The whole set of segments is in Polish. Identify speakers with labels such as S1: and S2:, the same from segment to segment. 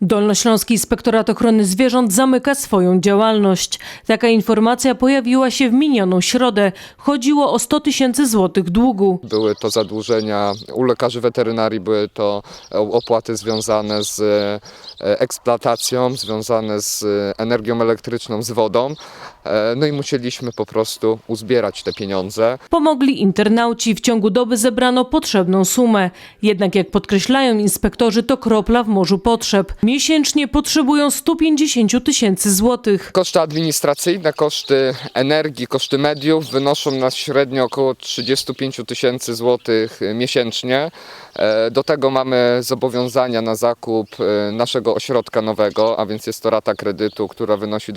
S1: Dolnośląski Inspektorat Ochrony Zwierząt zamyka swoją działalność. Taka informacja pojawiła się w minioną środę. Chodziło o 100 000 złotych długu.
S2: Były to zadłużenia u lekarzy weterynarii, były to opłaty związane z eksploatacją, związane z energią elektryczną, z wodą. No i musieliśmy po prostu uzbierać te pieniądze.
S1: Pomogli internauci. W ciągu doby zebrano potrzebną sumę. Jednak jak podkreślają inspektorzy, to kropla w morzu potrzeb. Miesięcznie potrzebują 150 000 złotych.
S2: Koszty administracyjne, koszty energii, koszty mediów wynoszą nas średnio około 35 000 złotych miesięcznie. Do tego mamy zobowiązania na zakup naszego ośrodka nowego, a więc jest to rata kredytu, która wynosi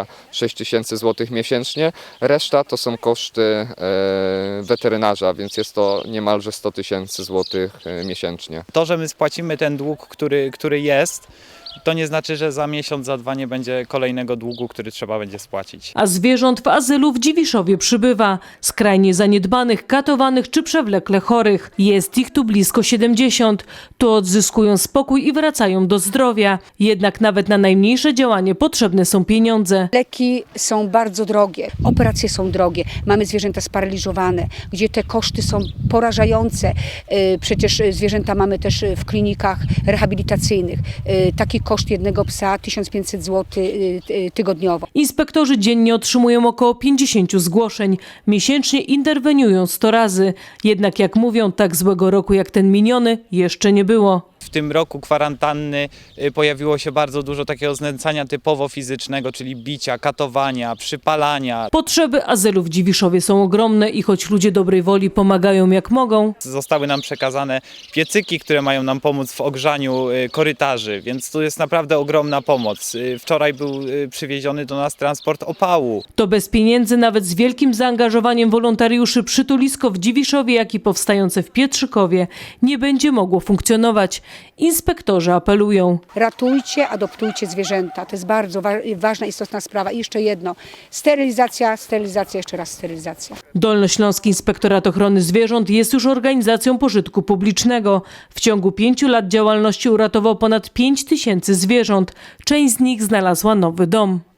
S2: 26 000 złotych miesięcznie. Reszta to są koszty weterynarza, więc jest to niemalże 100 000 złotych miesięcznie.
S3: To, że my spłacimy ten dług, który jest, to nie znaczy, że za miesiąc, za dwa nie będzie kolejnego długu, który trzeba będzie spłacić.
S1: A zwierząt w azylu w Dziwiszowie przybywa. Skrajnie zaniedbanych, katowanych czy przewlekle chorych. Jest ich tu blisko 70. Tu odzyskują spokój i wracają do zdrowia. Jednak nawet na najmniejsze działanie potrzebne są pieniądze.
S4: Leki są bardzo drogie, operacje są drogie, mamy zwierzęta sparaliżowane, gdzie te koszty są porażające. Przecież zwierzęta mamy też w klinikach rehabilitacyjnych. Taki koszt jednego psa 1500 zł tygodniowo.
S1: Inspektorzy dziennie otrzymują około 50 zgłoszeń. Miesięcznie interweniują 100 razy. Jednak jak mówią, tak złego roku jak ten miniony jeszcze nie było.
S3: W tym roku kwarantanny pojawiło się bardzo dużo takiego znęcania typowo fizycznego, czyli bicia, katowania, przypalania.
S1: Potrzeby azylu w Dziwiszowie są ogromne i choć ludzie dobrej woli pomagają jak mogą,
S3: Zostały nam przekazane piecyki, które mają nam pomóc w ogrzaniu korytarzy, więc to jest naprawdę ogromna pomoc. Wczoraj był przywieziony do nas transport opału.
S1: to bez pieniędzy, nawet z wielkim zaangażowaniem wolontariuszy przytulisko w Dziwiszowie, jak i powstające w Pietrzykowie nie będzie mogło funkcjonować. Inspektorzy apelują.
S4: Ratujcie, adoptujcie zwierzęta. To jest bardzo ważna, istotna sprawa. I jeszcze jedno, sterylizacja, jeszcze raz sterylizacja.
S1: Dolnośląski Inspektorat Ochrony Zwierząt jest już organizacją pożytku publicznego. W ciągu 5 lat działalności uratował ponad 5 000 zwierząt. Część z nich znalazła nowy dom.